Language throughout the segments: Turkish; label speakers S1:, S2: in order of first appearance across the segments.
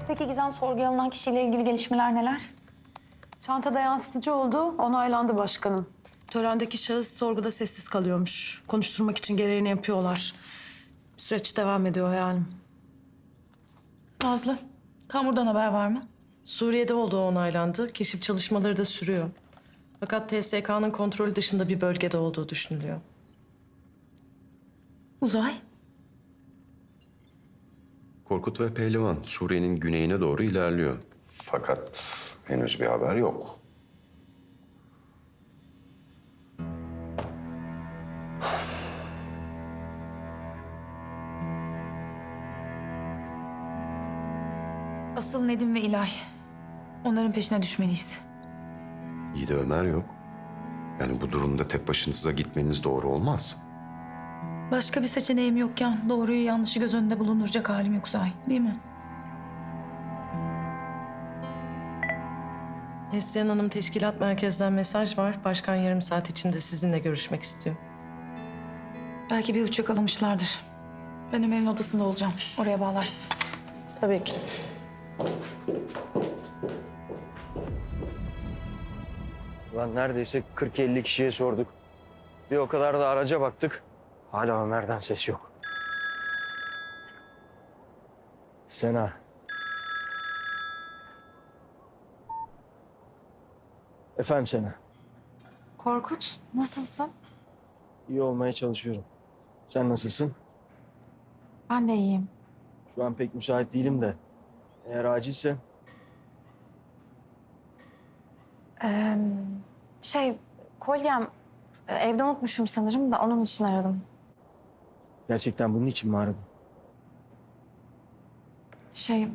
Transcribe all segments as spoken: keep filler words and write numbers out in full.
S1: Peki Gizem, sorguya alınan kişiyle ilgili gelişmeler neler? Çantada yansıtıcı oldu, onaylandı başkanım.
S2: Törendeki şahıs sorguda sessiz kalıyormuş. Konuşturmak için gereğini yapıyorlar. Süreç devam ediyor yani.
S3: Nazlı, Kamur'dan haber var mı?
S2: Suriye'de olduğu onaylandı. Keşif çalışmaları da sürüyor. Fakat T S K'nın kontrolü dışında bir bölgede olduğu düşünülüyor.
S3: Uzay?
S4: Korkut ve Pehlivan Suriye'nin güneyine doğru ilerliyor. Fakat henüz bir haber yok.
S3: Asıl Nedim ve İlay. Onların peşine düşmeliyiz.
S4: İyi de Ömer yok. Yani bu durumda tek başınıza gitmeniz doğru olmaz.
S3: Başka bir seçeneğim yokken doğruyu yanlışı göz önünde bulunduracak halim yok Uzay, değil mi?
S2: Neslihan Hanım teşkilat merkezden mesaj var. Başkan yarım saat içinde sizinle görüşmek istiyor.
S3: Belki bir uç yakalamışlardır. Ben Ömer'in odasında olacağım. Oraya bağlarsın.
S2: Tabii ki.
S5: Lan neredeyse kırk elli kişiye sorduk. Bir o kadar da araca baktık. Hala Ömer'den ses yok. Sena. Efendim Sena.
S3: Korkut, nasılsın?
S5: İyi olmaya çalışıyorum. Sen nasılsın?
S3: Ben de iyiyim.
S5: Şu an pek müsait değilim de. Eğer acilse
S1: Ee, şey, kolyem e, evde unutmuşum sanırım da onun için aradım.
S5: gerçekten bunun için mi aradın?
S1: Şey,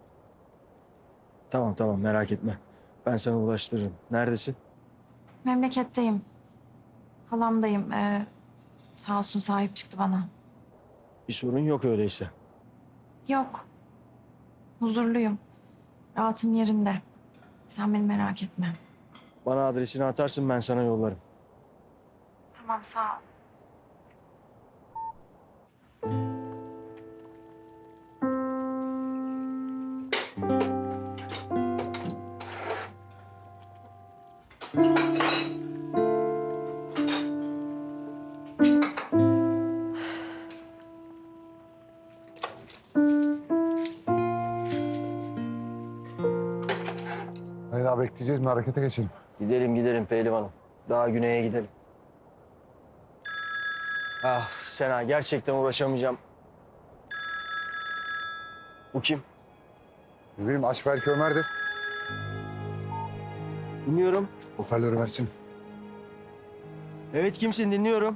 S5: Tamam tamam merak etme. Ben sana ulaştırırım. Neredesin?
S1: memleketteyim. Halamdayım. Ee, sağ olsun sahip çıktı bana.
S5: Bir sorun yok öyleyse.
S1: Yok. Huzurluyum. Rahatım yerinde. Sen beni merak etme.
S5: Bana adresini atarsın ben sana yollarım.
S1: Tamam, sağ ol.
S6: Hayır daha bekleyeceğiz mi? Harekete geçelim.
S5: Gidelim gidelim pehlivanım. Daha güneye gidelim. Ah Sena gerçekten uğraşamayacağım. Bu kim?
S6: Ne bileyim aç belki Ömer'dir.
S5: Dinliyorum.
S6: Hoparlörü versin.
S5: Evet kimsin dinliyorum.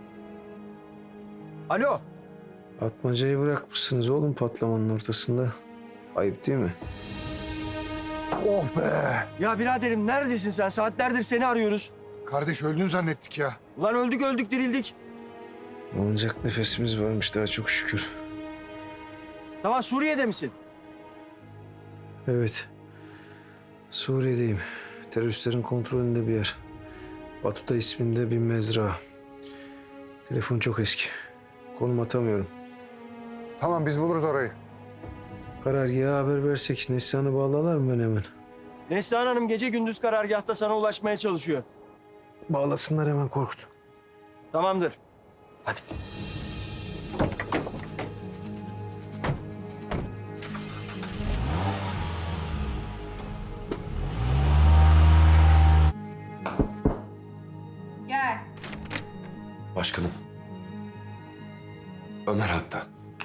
S5: Alo.
S7: Atmacayı bırakmışsınız oğlum patlamanın ortasında. Ayıp değil mi?
S6: Oh be!
S5: Ya biraderim neredesin sen? Saatlerdir seni arıyoruz.
S6: Kardeş öldün zannettik ya.
S5: Ulan öldük öldük dirildik.
S7: Alınacak nefesimiz varmış daha çok şükür.
S5: Tamam Suriye'de misin?
S7: Evet. Suriye'deyim. Teröristlerin kontrolünde bir yer. Batuta isminde bir mezra. Telefon çok eski. Konum atamıyorum.
S6: Tamam biz buluruz orayı.
S7: Karargaha haber versek Neslihan'ı bağlarlar mı ben hemen?
S5: Neslihan Hanım gece gündüz karargahta sana ulaşmaya çalışıyor.
S7: Bağlasınlar hemen Korkut.
S5: Tamamdır. Hadi.
S8: Gel.
S4: Başkanım. Ömer hatta.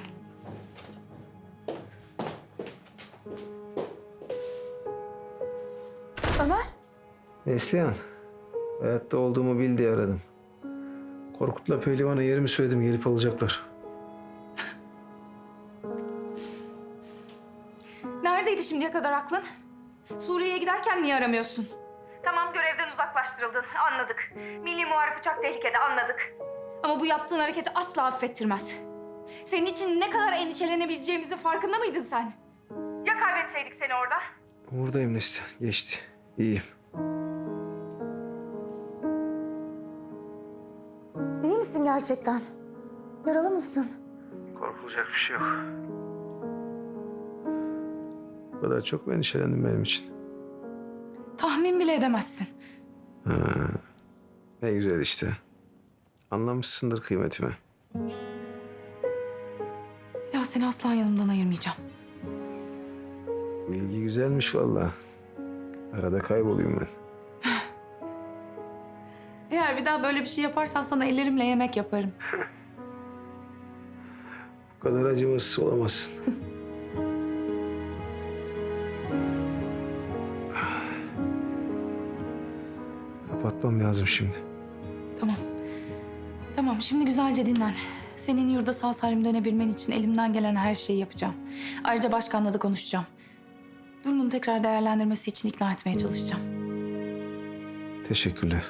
S1: Ömer?
S7: Neslihan. Hayatta olduğumu bil diye aradım. Korkut'la Pehlivan'a yerimi söyledim gelip alacaklar.
S3: Neredeydi şimdiye kadar aklın? Suriye'ye giderken niye aramıyorsun?
S9: Tamam, görevden uzaklaştırıldın, anladık. Milli Muharip uçak tehlikede, anladık.
S3: Ama bu yaptığın hareketi asla affettirmez. Senin için ne kadar endişelenebileceğimizin farkında mıydın sen?
S9: Ya kaybetseydik seni orada?
S7: Buradayım Neslihan. Geçti. İyiyim.
S1: İyi misin gerçekten? Yaralı mısın?
S7: Korkulacak bir şey yok. kadar çok mu endişelendin benim için?
S3: Tahmin bile edemezsin.
S7: Ne güzel işte. Anlamışsındır kıymetimi.
S3: Bir daha seni asla yanımdan ayırmayacağım.
S7: Bilgi güzelmiş vallahi. Arada kaybolayım ben.
S3: Eğer bir daha böyle bir şey yaparsan sana ellerimle yemek yaparım.
S7: Bu kadar acımasız olamazsın. Kapatmam lazım şimdi.
S3: Tamam. Tamam, şimdi güzelce dinlen. Senin yurda sağ salim dönebilmen için elimden gelen her şeyi yapacağım. Ayrıca başkanla da konuşacağım. Durumunu tekrar değerlendirmesi için ikna etmeye çalışacağım.
S7: Teşekkürler.